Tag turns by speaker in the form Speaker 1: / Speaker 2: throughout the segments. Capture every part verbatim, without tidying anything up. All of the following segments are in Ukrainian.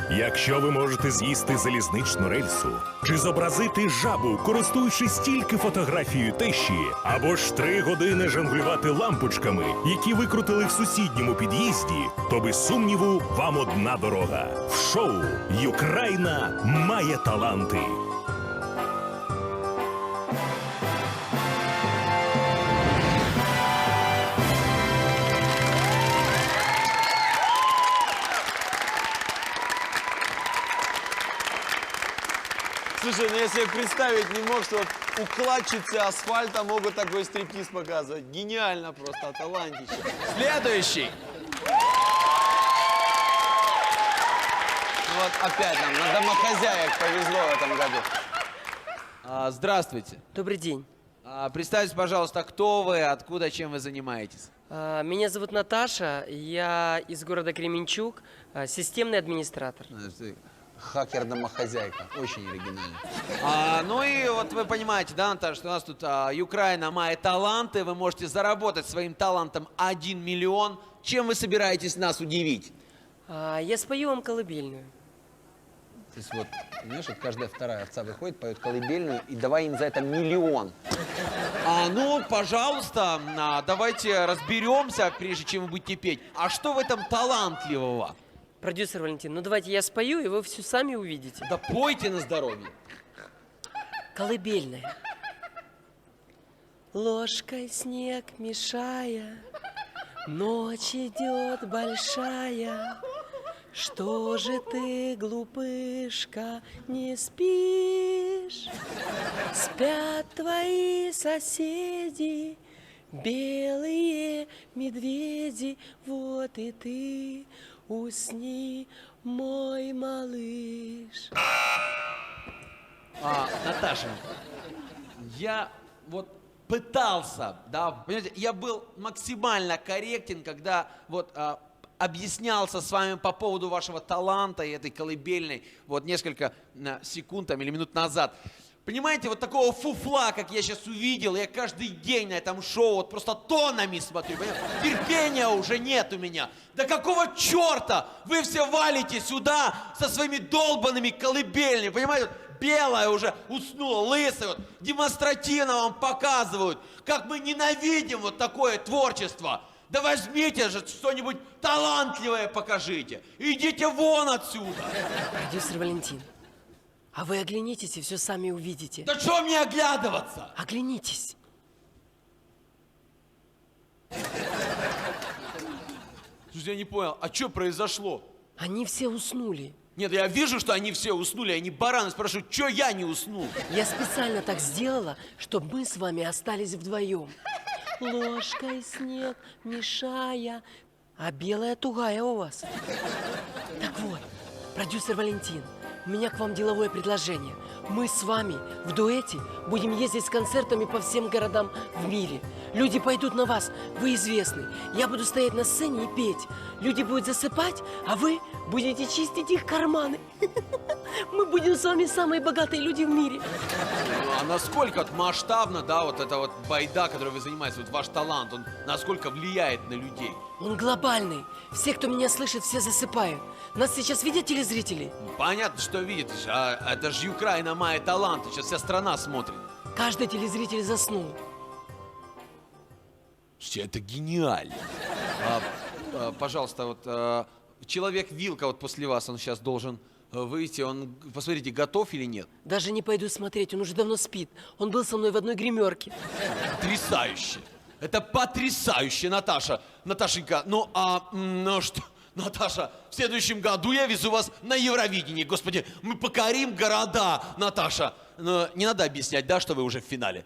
Speaker 1: Якщо ви можете з'їсти залізничну рельсу чи зобразити жабу, користуючись тільки фотографією тещі, або ж три години жонглювати лампочками, які викрутили в сусідньому під'їзді, то без сумніву вам одна дорога. В шоу «Юкраїна має таланти».
Speaker 2: Слушай, ну я себе представить не мог, что вот укладчицы асфальта могут такой стриптиз показывать. Гениально просто, талантище. Следующий. Вот опять нам на домохозяек повезло в этом году. А, здравствуйте.
Speaker 3: Добрый день.
Speaker 2: А, представьтесь, пожалуйста, кто вы, откуда, чем вы занимаетесь?
Speaker 3: А, Меня зовут Наташа, я из города Кременчуг, а, системный администратор.
Speaker 2: Хакер-домохозяйка. Очень оригинально. А, ну и вот вы понимаете, да, Наташа, что у нас тут а, Юкраїна має таланты. Вы можете заработать своим талантом один миллион. Чем вы собираетесь нас удивить?
Speaker 3: А, Я спою вам колыбельную.
Speaker 2: То есть вот, знаешь, вот каждая вторая овца выходит, поет колыбельную, и давай им за это миллион. А, ну, пожалуйста, а, давайте разберемся, прежде чем вы будете петь. А что в этом талантливого?
Speaker 3: Продюсер Валентин, ну давайте я спою, и вы все сами увидите.
Speaker 2: Да пойте на здоровье.
Speaker 3: Колыбельная. Ложкой снег мешая, ночь идет большая. Что же ты, глупышка, не спишь? Спят твои соседи, белые медведи. Вот и ты усни, мой малыш.
Speaker 2: А, Наташа, я вот пытался, да, понимаете, я был максимально корректен, когда вот а, объяснялся с вами по поводу вашего таланта и этой колыбельной вот несколько а, секунд там, или минут назад. Понимаете, вот такого фуфла, как я сейчас увидел, я каждый день на этом шоу вот просто тоннами смотрю, понимаете? Терпения уже нет у меня. Да какого черта вы все валите сюда со своими долбанными колыбельными, понимаете? Вот белая уже уснула, лысая, вот, демонстративно вам показывают, как мы ненавидим вот такое творчество. Да возьмите же что-нибудь талантливое покажите. Идите вон отсюда.
Speaker 3: Продюсер Валентин, а вы оглянитесь и все сами увидите.
Speaker 2: Да что мне оглядываться?
Speaker 3: Оглянитесь.
Speaker 2: Слушай, я не понял, а что произошло?
Speaker 3: Они все уснули.
Speaker 2: Нет, я вижу, что они все уснули, они бараны спрашивают, что я не уснул?
Speaker 3: Я специально так сделала, чтобы мы с вами остались вдвоем. Ложкой снег мешая, а белая тугая у вас. Так вот, продюсер Валентин, у меня к вам деловое предложение. Мы с вами в дуэте будем ездить с концертами по всем городам в мире. Люди пойдут на вас, вы известны. Я буду стоять на сцене и петь. Люди будут засыпать, а вы будете чистить их карманы. Мы будем с вами самые богатые люди в мире.
Speaker 2: А насколько вот масштабно, да, вот эта вот байда, которой вы занимаетесь, вот ваш талант, он насколько влияет на людей?
Speaker 3: Он глобальный. Все, кто меня слышит, все засыпают. Нас сейчас видят телезрители?
Speaker 2: Понятно, что видишь, а это же Юкраїна має талант, сейчас вся страна смотрит.
Speaker 3: Каждый телезритель заснул.
Speaker 2: Слушайте, это гениально. А, а, пожалуйста, вот а, человек-вилка вот после вас, он сейчас должен а, выйти, он, посмотрите, готов или нет?
Speaker 3: Даже не пойду смотреть, он уже давно спит. Он был со мной в одной гримерке.
Speaker 2: Потрясающе. Это потрясающе, Наташа. Наташенька, ну а, ну что... Наташа, в следующем году я везу вас на Евровидение. Господи, мы покорим города, Наташа. Но не надо объяснять, да, что вы уже в финале?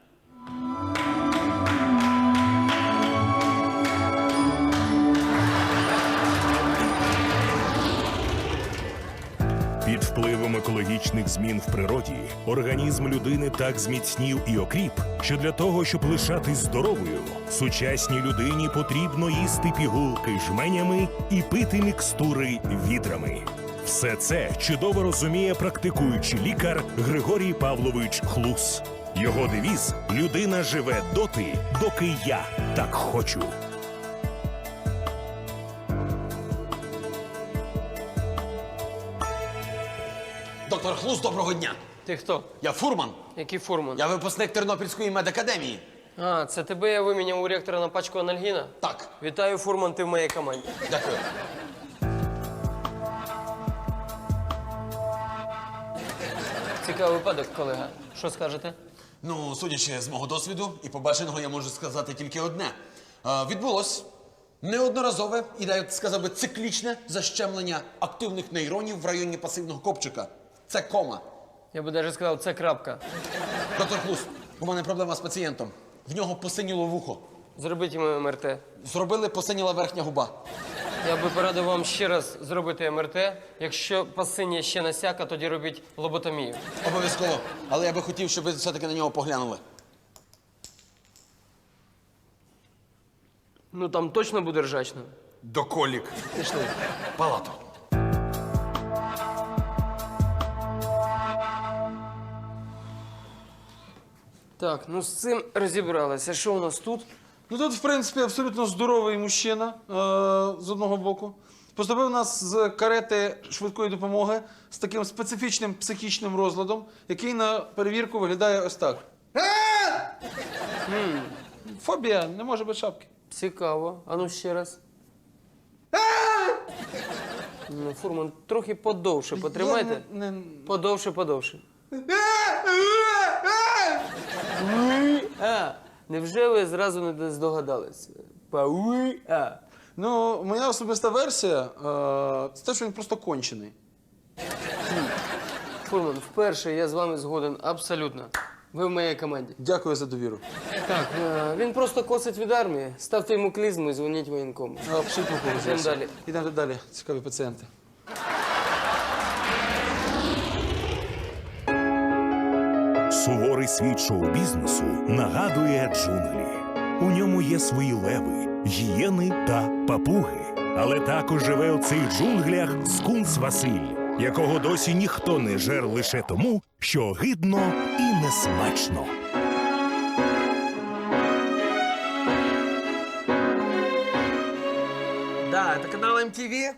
Speaker 1: Під впливом екологічних змін в природі організм людини так зміцнів і окріп, що для того, щоб лишатись здоровою, сучасній людині потрібно їсти пігулки жменями і пити мікстури відрами. Все це чудово розуміє практикуючий лікар Григорій Павлович Хлус. Його девіз – «Людина живе доти, доки я так хочу».
Speaker 2: Доктор Хлус, доброго дня.
Speaker 3: Ти хто?
Speaker 2: Я фурман.
Speaker 3: Який фурман?
Speaker 2: Я випускник Тернопільської медакадемії.
Speaker 3: А, це тебе я виміняв у ректора на пачку анальгіна?
Speaker 2: Так,
Speaker 3: Вітаю, фурман, ти в моїй команді.
Speaker 2: дякую.
Speaker 3: Цікавий випадок, колега. Що скажете?
Speaker 2: Ну, судячи з мого досвіду і побаченого, я можу сказати тільки одне. А, відбулось неодноразове і, я сказав би, циклічне защемлення активних нейронів в районі пасивного копчика. Це кома.
Speaker 3: Я би навіть сказав, це крапка.
Speaker 2: Доктор Хлус, у мене проблема з пацієнтом. В нього посиніло вухо.
Speaker 3: Зробіть йому ем ер те.
Speaker 2: Зробили, посиніла верхня губа.
Speaker 3: Я би порадив вам ще раз зробити ем ер те. Якщо пасині ще насяка, тоді робіть лоботомію.
Speaker 2: Обов'язково. Але я би хотів, щоб ви все-таки на нього поглянули.
Speaker 3: Ну там точно буде ржачно.
Speaker 2: Доколік.
Speaker 3: Пішли.
Speaker 2: Палату.
Speaker 3: Так, ну з цим розібралися. Що у нас тут?
Speaker 4: Ну тут, в принципі, абсолютно здоровий мужчина е, з одного боку. Поступив у нас з карети швидкої допомоги з таким специфічним психічним розладом, який на перевірку виглядає ось так. М, Фобія, не може без шапки.
Speaker 3: Цікаво. А ну ще раз. Ну, фурман, трохи подовше потримайте.
Speaker 4: Я не- не-
Speaker 3: Подовше, подовше. А, невже ви зразу не здогадалися? Пауи, а.
Speaker 4: Ну, моя особиста версія е, це те, що він просто кончений.
Speaker 3: Фурман, вперше я з вами згоден абсолютно. Ви в моїй команді.
Speaker 4: Дякую за довіру.
Speaker 3: Так, е, він просто косить від армії. Ставте йому клізму і дзвоніть воєнкому.
Speaker 4: Абсолютно погоджуюся.
Speaker 3: Йдемо далі.
Speaker 4: Йдемо далі. Цікаві пацієнти.
Speaker 1: Суворий світ шоу-бізнесу нагадує джунглі. У ньому є свої леви, гієни та папуги. Але також живе у цих джунглях скунс Василь, якого досі ніхто не жер лише тому, що гидно і несмачно.
Speaker 2: Да, это канал эм ти ви?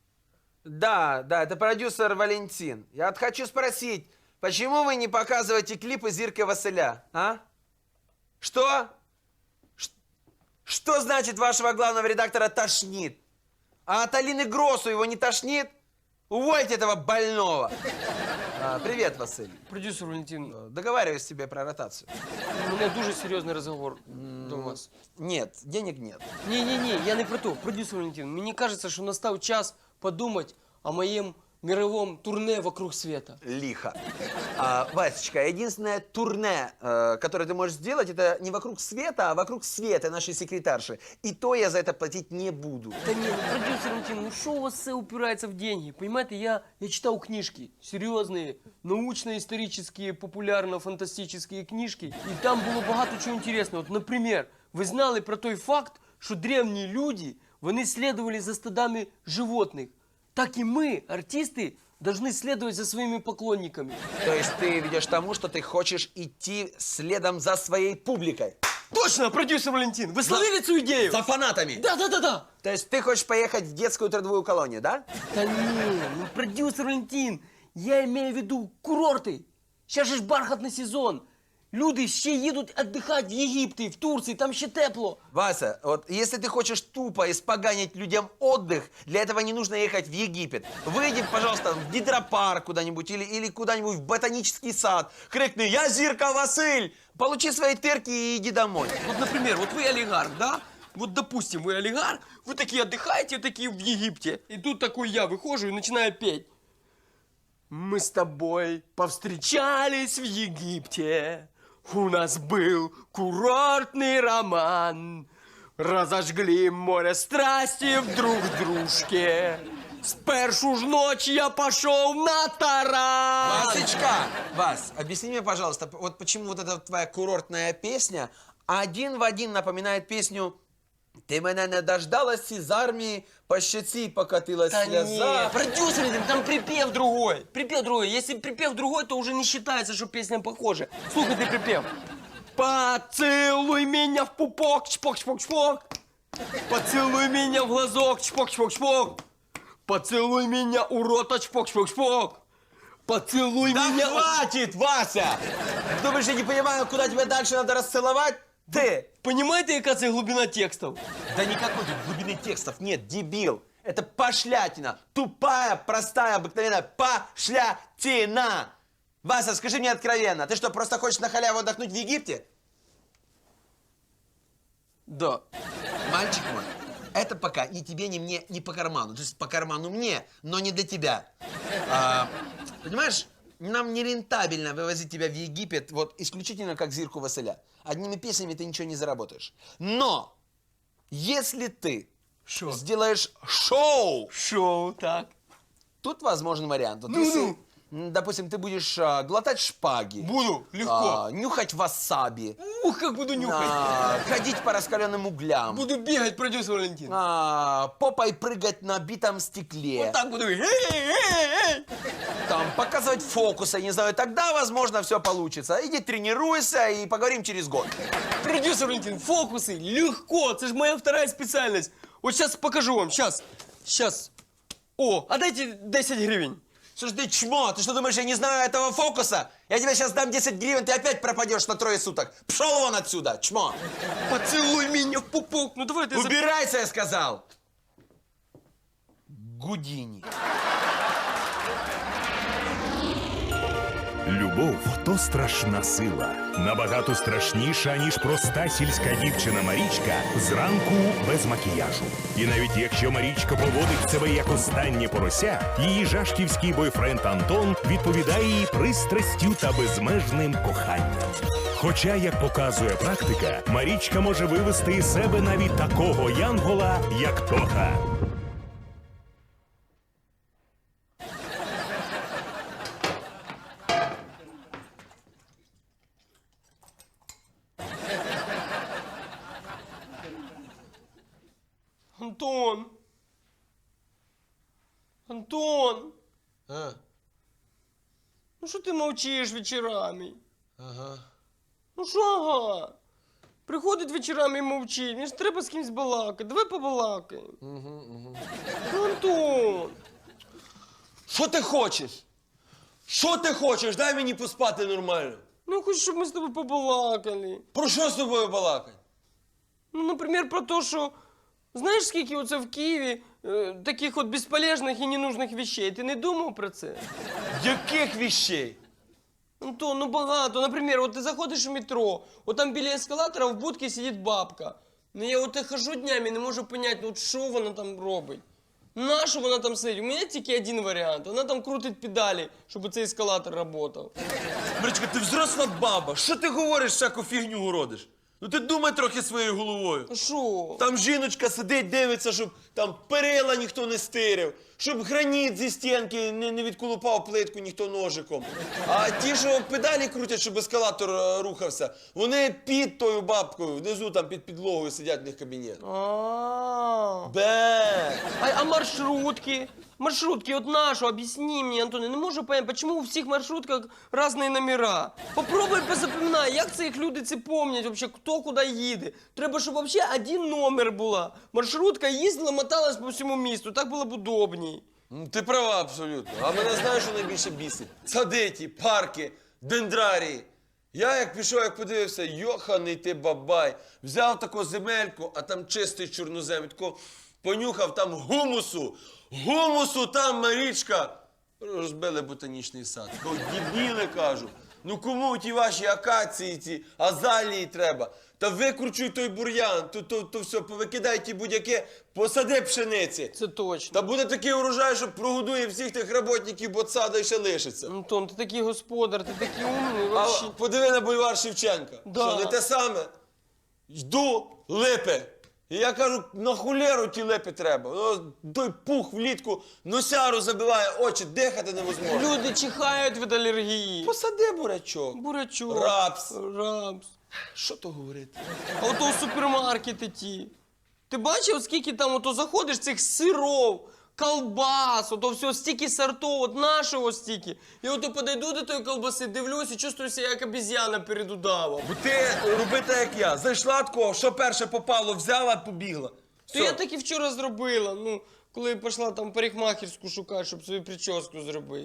Speaker 2: Да, да, это продюсер Валентин. Я вот хочу спросить, почему вы не показываете клипы Зирки Василя, а? Что? Ш- Что значит вашего главного редактора тошнит? А от Алины Гросу его не тошнит? Увольте этого больного. А, привет, Василь.
Speaker 3: Продюсер Валентин,
Speaker 2: Договариваюсь тебе про ротацию.
Speaker 3: у мене дуже серйозний розговор до вас.
Speaker 2: Нет, денег нет.
Speaker 3: Ні-ні-ні, я не про то. Продюсер Валентин, мені кажеться, що настав час подумати о моєму мировом турне вокруг света.
Speaker 2: Лихо. А, Васечка, единственное турне, э, которое ты можешь сделать, это не вокруг света, а вокруг света нашей секретарши. И то я за это платить не буду.
Speaker 3: Та ні, ну, продюсер Валентин, ну що у вас все упирається в деньги? Понимаете, я, я читал книжки, серьезные, научно-исторические, популярно-фантастические книжки, и там було багато чого інтересного. От, наприклад, ви знали про той факт, що древні люди, вони слідували за стадами животних. Так и мы, артисты, должны следовать за своими поклонниками.
Speaker 2: То есть ты ведешь к тому, что ты хочешь идти следом за своей публикой.
Speaker 3: Точно, продюсер Валентин, вы словили эту идею?
Speaker 2: За фанатами.
Speaker 3: Да, да, да, да.
Speaker 2: То есть ты хочешь поехать в детскую трудовую колонию, да?
Speaker 3: Да не, ну продюсер Валентин, я имею в виду курорты. Сейчас же ж бархатный сезон. Люди ще їдуть віддихати в Єгипті, в Турції, там ще тепло.
Speaker 2: Вася, вот если ты хочешь тупо испоганить людям отдых, для этого не нужно ехать в Египет. Выйди, пожалуйста, в гидропарк куда-нибудь или, или куда-нибудь в ботанический сад. Крикни «Я Зирка Василь!» Получи свои тырки и иди домой.
Speaker 3: Вот, например, вот вы олигарх, да? Вот, допустим, вы олигарх, вы такие отдыхаете, такие в Египте. И тут такой я выхожу и начинаю петь. Мы с тобой повстречались в Египте. У нас был курортный роман. Разожгли море страсти в друг дружке. С першу ж ночь я пошел на таран.
Speaker 2: Васечка, Вась, объясни мне, пожалуйста, вот почему вот эта твоя курортная песня один в один напоминает песню «Ты меня не дождалась из армии, по щеці покатилась
Speaker 3: Да
Speaker 2: слеза».
Speaker 3: не, продюсер, там припев другой. Припев другой. Если припев другой, то уже не считается, что песня похожа. Слушай ты припев. Поцелуй меня в пупок, чпок, чпок, чпок. Поцелуй меня в глазок, чпок, чпок, чпок. Поцелуй меня у рота, чпок, чпок, чпок.
Speaker 5: Поцелуй
Speaker 2: Да
Speaker 5: меня.
Speaker 2: хватит, Вася! Думаешь, я не понимаю, куда тебя дальше надо расцеловать? Ты!
Speaker 5: Понимаете, яка це глибина текстов?
Speaker 2: Да никакой тут глубины текстов нет, дебил! Это пошлятина! Тупая, простая, обыкновенная пошлятина! Вася, скажи мне откровенно, ты что, просто хочешь на халяву отдохнуть в Египте?
Speaker 5: Да.
Speaker 2: Мальчик мой, это пока ни тебе, ни мне, не по карману. То есть по карману мне, но не для тебя. А, понимаешь, нам не рентабельно вывозить тебя в Египет вот исключительно как Зирку Василя. Одними песнями ты ничего не заработаешь. Но если ты
Speaker 5: Шо?
Speaker 2: сделаешь шоу,
Speaker 5: Шоу, так.
Speaker 2: тут возможен вариант. Вот
Speaker 5: Ну,
Speaker 2: если,
Speaker 5: ну.
Speaker 2: м, допустим, ты будешь а, глотать шпаги,
Speaker 5: Буду, легко.
Speaker 2: а, нюхать васаби,
Speaker 5: Ух, как буду нюхать.
Speaker 2: а, ходить по раскаленным углям,
Speaker 5: Буду бегать, продюсер Валентин.
Speaker 2: а, попой прыгать на битом стекле,
Speaker 5: Вот так буду. Эй, эй, эй.
Speaker 2: там, показывать фокусы, не знаю, тогда, возможно, все получится. Иди тренируйся и поговорим через год.
Speaker 5: Продюсер Валентин, фокусы, легко, это же моя вторая специальность. Вот сейчас покажу вам, сейчас, сейчас. О, а дайте десять гривен.
Speaker 2: Слушай, ты чмо, ты что думаешь, я не знаю этого фокуса? Я тебе сейчас дам десять гривен, ты опять пропадешь на трое суток. Пшел вон отсюда, чмо.
Speaker 5: Поцелуй меня в пупок. Ну давай ты... за-
Speaker 2: Убирайся, я сказал. Гудини.
Speaker 1: Любов то страшна сила, набагато страшніша, ніж проста сільська дівчина Марічка зранку без макіяжу. І навіть якщо Марічка поводить себе як останнє порося, її жашківський бойфренд Антон відповідає їй пристрастю та безмежним коханням. Хоча, як показує практика, Марічка може вивести із себе навіть такого янгола, як Тоха.
Speaker 5: Антон. Антон.
Speaker 2: А,
Speaker 5: Ну що ти мовчиш вечорами?
Speaker 2: ага.
Speaker 5: Ну що ага? Приходить вечорами і мовчить. Мені ж треба з кимось балакати. Давай побалакаємо.
Speaker 2: Угу, угу.
Speaker 5: Ну, Антон.
Speaker 2: Що ти хочеш? Що ти хочеш? Дай мені поспати нормально.
Speaker 5: Ну, я хочу, щоб ми з тобою побалакали.
Speaker 2: Про що з тобою балакати?
Speaker 5: Ну, наприклад, про те, що знаєш, скільки оце в Києві е, таких от безполезних і ненужних вещей? Ти не думав про це?
Speaker 2: Яких вещей?
Speaker 5: Антон, ну багато. Наприклад, от ти заходиш в метро, от там біля ескалатора в будці сидить бабка. Ну я от хожу днями, не можу зрозуміти, ну от що вона там робить. На що вона там сидить? У мене тільки один варіант. Вона там крутить педалі, щоб цей ескалатор працював.
Speaker 2: Марічка, ти взросла баба. Що ти говориш, всяку фігню городиш? Ну ти думай трохи своєю головою.
Speaker 5: А що?
Speaker 2: Там жіночка сидить, дивиться, щоб там перила ніхто не стирив, щоб граніт зі стінки не, не відколупав плитку ніхто ножиком. А ті, що педалі крутять, щоб ескалатор е, рухався, вони під тою бабкою, внизу там під підлогою сидять в них кабінет.
Speaker 5: А,
Speaker 2: Бе!
Speaker 5: а, а маршрутки? Маршрутки, от нашу, объясни мне, Антон, я не можу понять, почему у всіх маршрутках різні номера. Попробуй позапоминай, як це їх люди це помнять, вообще, хто куди їде. Треба, щоб вообще один номер була. Маршрутка їздила, моталась по всьому місту, так було б удобній.
Speaker 2: Ну, ти права абсолютно. А мене знаєш, що найбільше бісить? Садиті, парки, дендрарії. Я як пішов, як подивився, йоханий ти бабай. Взяв таку земельку, а там чистий чорнозем. Тако понюхав там гумусу. Гумусу там, Марічка. Розбили ботанічний сад. Такого дебіли, кажу. Ну кому ті ваші акації, ці азалії треба? Та викручуй той бур'ян, то, то, то все, повикидай ті будь-яке, посади пшениці.
Speaker 5: Це точно.
Speaker 2: Та буде такий урожай, що прогодує всіх тих роботників, бо сада і ще лишиться.
Speaker 5: Антон, ти такий господар, ти такий умний,
Speaker 2: А
Speaker 5: вообще.
Speaker 2: подиви на бульвар Шевченка.
Speaker 5: Да.
Speaker 2: Що, не те саме? Йду, липи. І я кажу, на хулеру ті липи треба. Ну, той пух влітку носяру забиває очі, дихати невозможно.
Speaker 5: Люди чихають від алергії.
Speaker 2: Посади бурячок.
Speaker 5: Бурячок.
Speaker 2: Рапс.
Speaker 5: Рапс.
Speaker 2: Що то говорити?
Speaker 5: А ото в супермаркети ті. Ти бачив, скільки там ото заходиш цих сиров, колбас, ото все, стільки сортов, от нашого стільки. І ото подойду до тої колбаси, дивлюсь і чувствую себе як обезьяна перед удавом.
Speaker 2: Бо ти роби так, як я. Зайшла такого, що перше попало, взяла, побігла.
Speaker 5: То я так і вчора зробила, ну, коли пішла там парикмахерську шукати, щоб свою прическу зробити.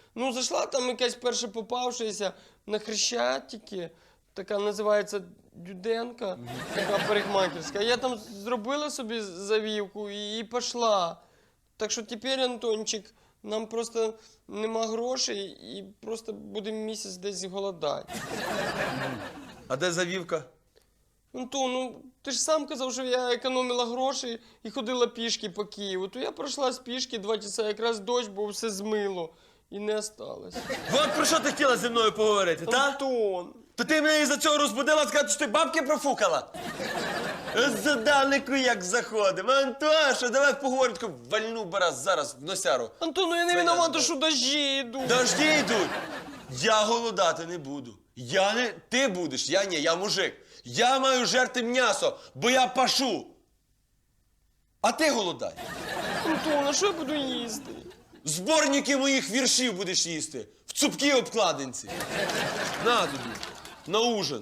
Speaker 5: Ну, зайшла там якась перша попавшися на Хрещатики, така називається Дюденка, така парикмахерська. Я там зробила собі завівку і, і пішла. Так що тепер, Антончик, нам просто нема грошей і просто будемо місяць десь голодати.
Speaker 6: А де завівка?
Speaker 5: Антон, ну ти ж сам казав, що я економила гроші і ходила пішки по Києву. То я пройшла з пішки два часа, якраз дощ, бо все змило. І не осталось.
Speaker 6: От про що ти хотіла зі мною поговорити, та?
Speaker 5: Антон!
Speaker 6: То ти мене із-за цього розбудила сказати, що ти бабки профукала? За данику як заходимо. Антоша, давай поговоримо, таку вальну бараз зараз в носяру.
Speaker 5: Антон, ну я не
Speaker 6: Це
Speaker 5: виновата,
Speaker 6: я-
Speaker 5: що дожді йдуть.
Speaker 6: Дожді йдуть. Я голодати не буду. Я не... Ти будеш, я ні, я мужик. Я маю жерти м'ясо, бо я пашу. А ти голодай.
Speaker 5: Антон, а що я буду їсти?
Speaker 6: Зборники моїх віршів будеш їсти. В цупкій обкладинці. На тобі. На ужин.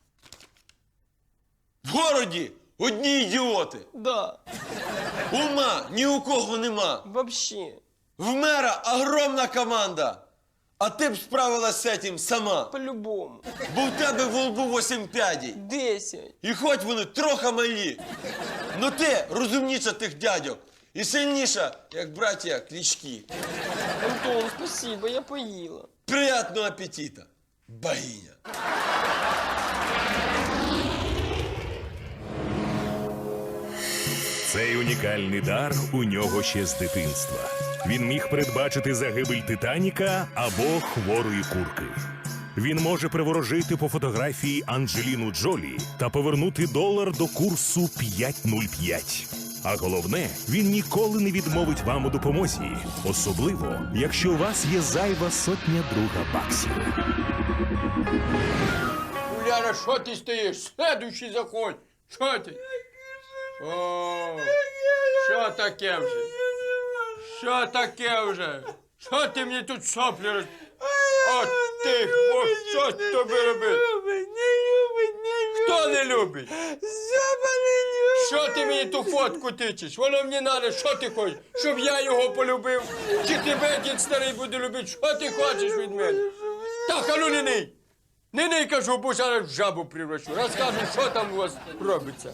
Speaker 6: В городі одні ідіоти.
Speaker 5: Да,
Speaker 6: Ума ні у кого нема.
Speaker 5: вообще.
Speaker 6: В мера огромна команда. А ти б справилась з цим сама.
Speaker 5: По-любому.
Speaker 6: Бо в тебе в лбу восім п'ядій.
Speaker 5: Десять.
Speaker 6: І хоч вони трохи малі. Но ти розумніша тих дядьок. І сильніша, як браття Клички.
Speaker 5: Антон, спасибо, я поїла.
Speaker 6: Приятного апетита, богиня.
Speaker 1: Цей унікальний дар у нього ще з дитинства. Він міг передбачити загибель Титаніка або хворої курки. Він може приворожити по фотографії Анджеліну Джолі та повернути долар до курсу п'ять нуль п'ять. А головне, він ніколи не відмовить вам у допомозі, особливо, якщо у вас є зайва сотня друга баксів.
Speaker 7: Уляна, що ти стоїш? Следующий заходь. Що ти? О, що таке вже? Що таке вже? Що ти мені тут соплі роз... О, ти, о, що тобі робити? Хто не любить? Що ти мені ту фотку тичеш? Воно мені треба, що ти хочеш? Щоб я його полюбив? Чи тебе дід старий буде любити? Що ти хочеш від мене? Так, а ну не ний! Не ний, кажу, бо зараз в жабу превращу. Розкажу, що там у вас робиться.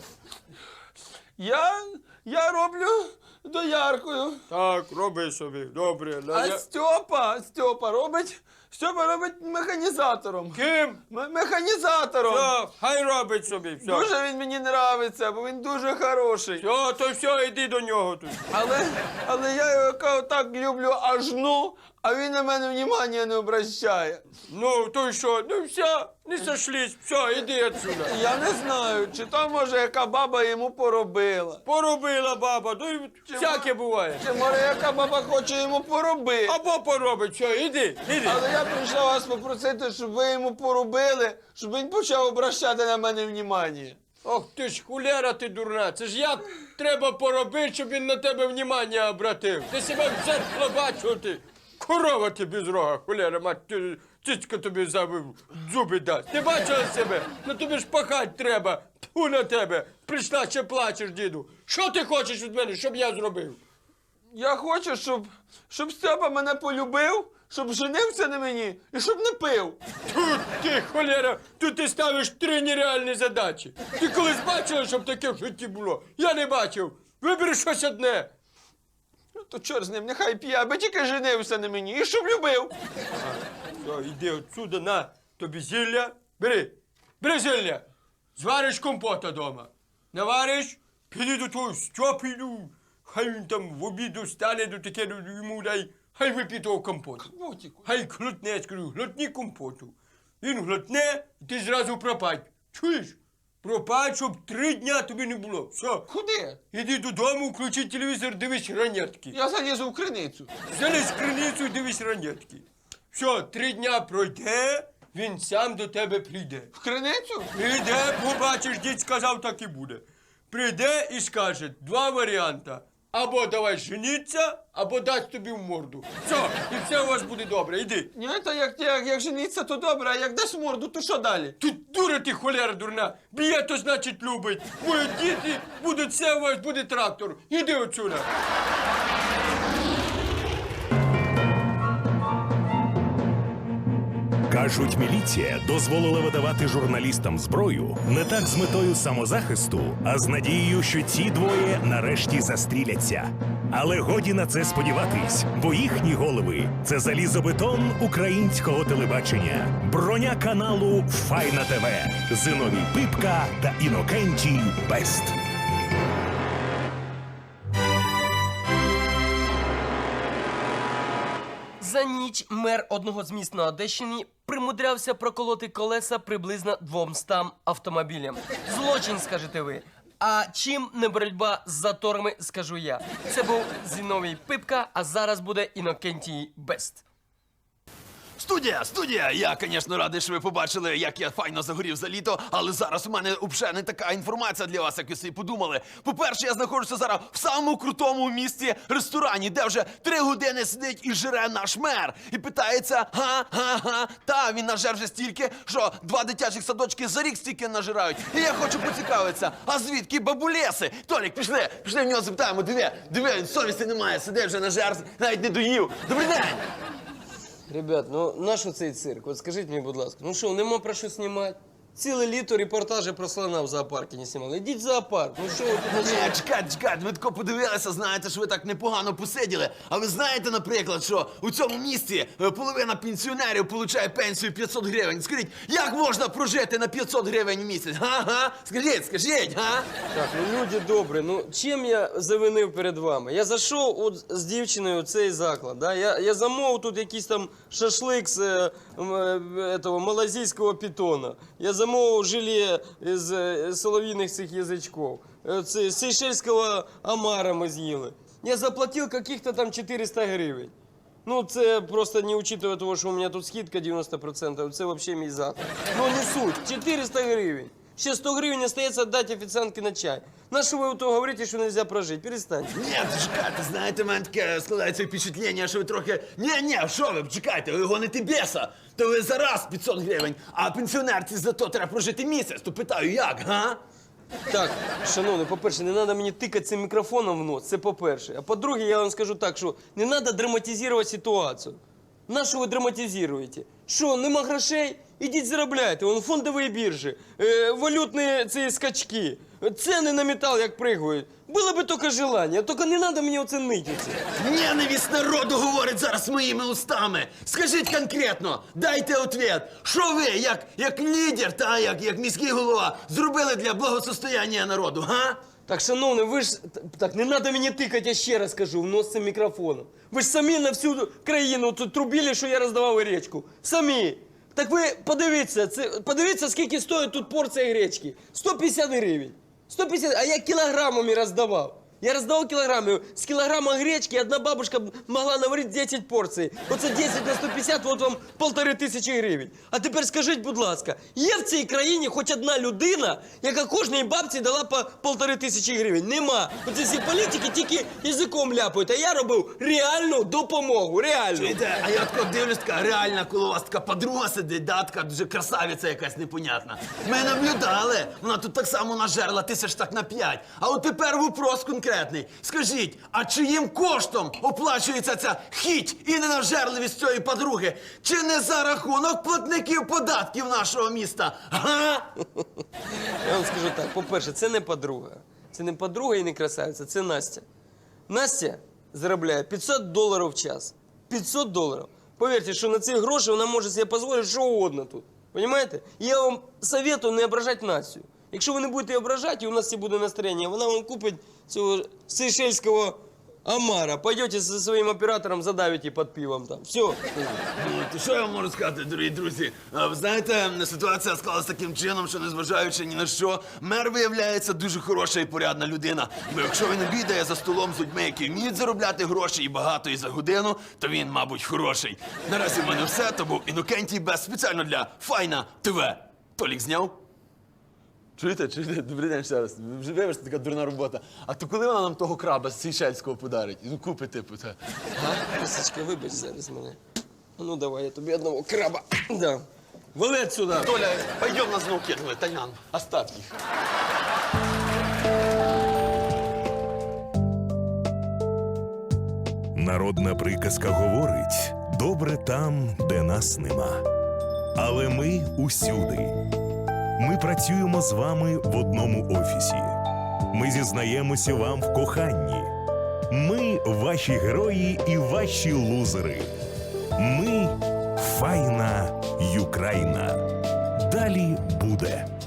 Speaker 5: Я, я роблю дояркою.
Speaker 7: Так, роби собі, добре.
Speaker 5: А Стьопа, Стьопа робить, Стьопа робить механізатором.
Speaker 7: Ким?
Speaker 5: М- механізатором.
Speaker 7: Все, хай робить собі, все.
Speaker 5: Дуже він мені нравиться, бо він дуже хороший.
Speaker 7: Все, то все, йди до нього тут.
Speaker 5: Але, але я його яка так люблю аж ну, а він на мене внимання не обращає.
Speaker 7: Ну, то й що? Ну все, не сошлись, все, іди отсюда.
Speaker 5: Я не знаю, чи то може яка баба йому поробила.
Speaker 7: Поробила баба, ну і всяке буває.
Speaker 5: Чи може яка баба хоче йому поробити.
Speaker 7: Або поробить, все, іди, іди.
Speaker 5: Але я прийшла вас попросити, щоб ви йому поробили, щоб він почав обращати на мене внимання.
Speaker 7: Ох ти ж хулера ти дурна, це ж як треба поробити, щоб він на тебе внимання обратив. Ти себе в зеркало бачив, ти. Корова ти без рога, хулера, мать, ти- цицька тобі за зуби дасть. Ти бачила себе? Ну тобі ж пахать треба. Тьфу на тебе. Прийшла, ще плачеш, діду. Що ти хочеш від мене, щоб я зробив?
Speaker 5: Я хочу, щоб, щоб Степа мене полюбив, щоб женився на мені і щоб не пив.
Speaker 7: Тут ти, холера, тут ти ставиш три нереальні задачі. Ти колись бачила, щоб таке в житті було? Я не бачив. Вибери щось одне.
Speaker 5: Ну, то чорт з ним, нехай п'є, аби тільки женився на мені і щоб любив.
Speaker 7: Все, йди отсюда, на тобі зілля. Бери, бери зілля. Звариш компота дома. Навариш, піди до того Стьопіду. Хай він там в обіду стане до таке, йому дай, хай вип'є того компоту.
Speaker 5: Мотіку.
Speaker 7: Хай глотне, я скажу, глотні компоту. Він глотне, і ти зразу пропадь. Чуєш? Пропадь, щоб три дня тобі не було. Все.
Speaker 5: Куди?
Speaker 7: Іди додому, включи телевізор, дивись ранетки.
Speaker 5: Я залізу в криницю.
Speaker 7: Залізь в криницю і дивись ранетки. Все, три дня пройде, він сам до тебе прийде.
Speaker 5: В криницю?
Speaker 7: Прийде, побачиш, дід сказав, так і буде. Прийде і скаже два варіанти. Або давай жениться, або дасть тобі в морду. Все, і все у вас буде добре, іди.
Speaker 5: Ні, то як, як, як жениться, то добре, а як дасть морду, то що далі?
Speaker 7: Тут дура ти, холера дурна. Б'є, то значить любить. Мої діти будуть, все у вас буде трактор. Іди отсюда.
Speaker 1: Кажуть, міліція дозволила видавати журналістам зброю не так з метою самозахисту, а з надією, що ці двоє нарешті застріляться. Але годі на це сподіватись, бо їхні голови – це залізобетон українського телебачення, броня каналу Файна ТВ, Зиновій Пипка та Інокентій Бест.
Speaker 5: За ніч мер одного з міст на Одещині примудрявся проколоти колеса приблизно двомстам автомобілям. Злочин, скажете ви. А чим не боротьба з заторами, скажу я. Це був Зіновій Пипка, а зараз буде Інокентій Бест.
Speaker 6: Студія, студія! Я, звісно, радий, що ви побачили, як я файно загорів за літо, але зараз у мене взагалі не така інформація для вас, як ви собі подумали. По-перше, я знаходжуся зараз в самому крутому місті ресторані, де вже три години сидить і жире наш мер. І питається, га-га-га, та він нажер вже стільки, що два дитячих садочки за рік стільки нажирають. І я хочу поцікавитися, а звідки бабулеси? Толік, пішли, пішли в нього запитаємо, диви, диви, він совісті немає, сидить вже нажер, навіть не доїв. Добрий день!
Speaker 5: Ребят, ну нащо цей цирк? От скажіть мені, будь ласка, ну що, нема про що знімати? Ціле літо репортажі про слона в зоопарку не знімали. Ідіть в зоопарк, ну що ви тут?
Speaker 6: Ні, чекайте, чекайте, ви тако подивилися, знаєте, що ви так непогано посиділи. А ви знаєте, наприклад, що у цьому місті е, половина пенсіонерів получає пенсію п'ятсот гривень. Скажіть, як можна прожити на п'ятсот гривень в місяць? Га-га? Скажіть, скажіть, га?
Speaker 5: Так, ну люди добрі, ну чим я завинив перед вами? Я зайшов от з дівчиною в цей заклад, да? я, я замовив тут якийсь там шашлик з е, м, е, этого, малазійського питона. Я замовив желе з е, солов'їних цих язичків. Е, Це з сейшельського омара ми з'їли. Я заплатив каких-то там чотириста гривень. Ну, це просто не учитывая того, що у мене тут скидка дев'яносто відсотків, це взагалі мій заклад. Ну, не суть, чотириста гривень. Ще сто гривень остається дати офіціантки на чай. На що ви то говорите, що не можна прожити? Перестаньте.
Speaker 6: Ні, чекайте, знаєте, в мене таке складається впечатлення, що ви трохи... Ні, ні, що ви, чекайте, ви гоните беса. То ви за раз п'ятсот гривень, а пенсіонерці за то треба прожити місяць. То питаю, як, га?
Speaker 5: Так, шановний, по-перше, не треба мені тикати цим мікрофоном в нос, це по-перше. А по-друге, я вам скажу так, що не треба драматизувати ситуацію. На що ви драматизуєте? Що, нема грошей? Ідіть заробляйте. Вон фондові біржі, е, валютні ці скачки, ціни на метал як пригають. Було би тільки желання, тільки не треба мені оце нити.
Speaker 6: Ненависть народу говорить зараз моїми устами. Скажіть конкретно, дайте ответ. Що ви, як, як лідер, та як, як міський голова, зробили для благосостояння народу, га?
Speaker 5: Так, шановний, ви ж... Так, не треба мені тикати, я ще раз кажу, в нос цим мікрофоном. Ви ж самі на всю країну тут трубили, що я роздавав гречку. Самі. Так ви подивіться, це, подивіться, скільки стоїть тут порція гречки. сто п'ятдесят гривень. сто п'ятдесят, а я кілограмами роздавав. Я роздавав кілограмами. З кілограма гречки одна бабушка могла наварити десять порцій. Оце десять на сто п'ятдесят, от вам полтори тисячі гривень. А тепер скажіть, будь ласка, є в цій країні хоч одна людина, яка кожній бабці дала по полтори тисячі гривень? Нема. Оце всі політики тільки язиком ляпають, а я робив реальну допомогу, реальну.
Speaker 6: Чуєте, а я тако дивлюсь, така реальна, коли у вас така подруга сидить, да, така дуже красавиця якась непонятна. Ми наблюдали, вона тут так само нажерла тисяч так на п'ять. А от тепер вопрос конкретний. Скажіть, а чиїм коштом оплачується ця хіть і ненажерливість цієї подруги? Чи не за рахунок платників податків нашого міста? Га?
Speaker 5: Я вам скажу так, по-перше, це не подруга. Це не подруга і не красавиця, це Настя. Настя заробляє п'ятсот доларів в час. п'ятсот доларів. Повірте, що на ці гроші вона може собі дозволити що угодно тут. Понимаєте? І я вам советую не ображати Настю. Якщо ви не будете ображати, і у нас всі буде настроєння, вона вам купить цього сейшельського омара. Пойдете зі своїм оператором, задавите під пивом там. Все.
Speaker 6: Ну, то що я вам можу сказати, дорогі друзі? А, ви знаєте, ситуація склалася таким чином, що незважаючи ні на що, мер виявляється дуже хороша і порядна людина. Бо якщо він обідає за столом з людьми, які вміють заробляти гроші і багато і за годину, то він, мабуть, хороший. Наразі в мене все, то був Інокентій Бест спеціально для Файна ТВ. Толік зняв? Чуєте, чуєте? Добрий день ще раз. Вже вибачте, така дурна робота. А то коли вона нам того краба з Сейшельського подарить? Ну, купи, типу, це.
Speaker 5: Лисичка, вибач зараз мене. Ну давай, я тобі одного краба. Да. Вали отсюда.
Speaker 6: Толя, пойдем на знов кидали, Таян, оставь їх.
Speaker 1: Народна приказка говорить: добре там, де нас нема. Але ми усюди. Ми працюємо з вами в одному офісі. Ми зізнаємося вам в коханні. Ми ваші герої і ваші лузери. Ми файна Юкраїна. Далі буде.